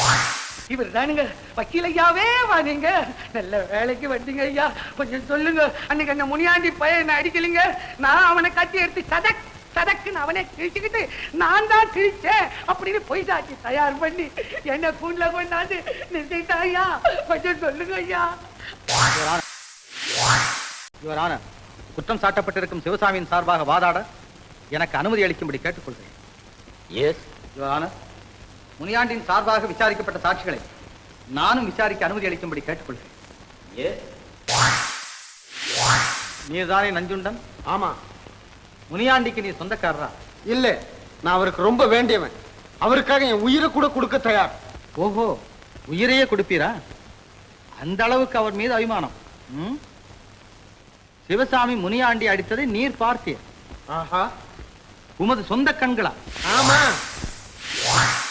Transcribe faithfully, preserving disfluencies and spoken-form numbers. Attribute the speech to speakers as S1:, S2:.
S1: இவர் தானுங்க வக்கீல் ஐயாவே வாங்க. நல்ல வேலைக்கு வந்தீங்க ஐயா. கொஞ்சம் சொல்லுங்க, அன்னைக்கு அந்த முனியாண்டி பையன் என்ன அடிக்கலிங்க, நான் அவனை கட்டி எடுத்து சதக் சதக்குன்னு அவனே கிழிச்சுக்கிட்டு நான் தான் கிழிச்சேன் அப்படின்னு பொய் சாட்சி தயார் பண்ணி என்ன கூண்டுல கொண்டாந்து நிறுத்திட்டா ஐயா. கொஞ்சம் சொல்லுங்க ஐயா.
S2: குற்றம் சாட்டப்பட்டிருக்கும் சிவசாமியின் சார்பாக வாதாட எனக்கு அனுமதி அளிக்கும்படி கேட்டுக்கொள்கிறேன்.
S3: எஸ்
S2: யுவர் ஆனர், முனியாண்டின் சார்பாக விசாரிக்கப்பட்ட சாட்சிகளை நானும் விசாரிக்க அனுமதி அளிக்கும்படி கேட்டுக்கொள்கிறேன். நீர்தானே நஞ்சுண்டன்?
S4: ஆமா.
S2: முனியாண்டிக்கு நீ சொந்தக்காரரா?
S4: இல்ல, நான் அவருக்கு ரொம்ப வேண்டியவன். அவருக்காக என் உயிரை கூட கொடுக்க தயார்.
S2: ஓஹோ, உயிரையே கொடுப்பீரா? அந்த அளவுக்கு அவர் மீது அபிமானம். சிவசாமி முனியாண்டி அடித்ததை நீர் பார்த்தீர்.
S4: ஆஹா,
S2: உமது சொந்த கண்களா?
S4: ஆமா.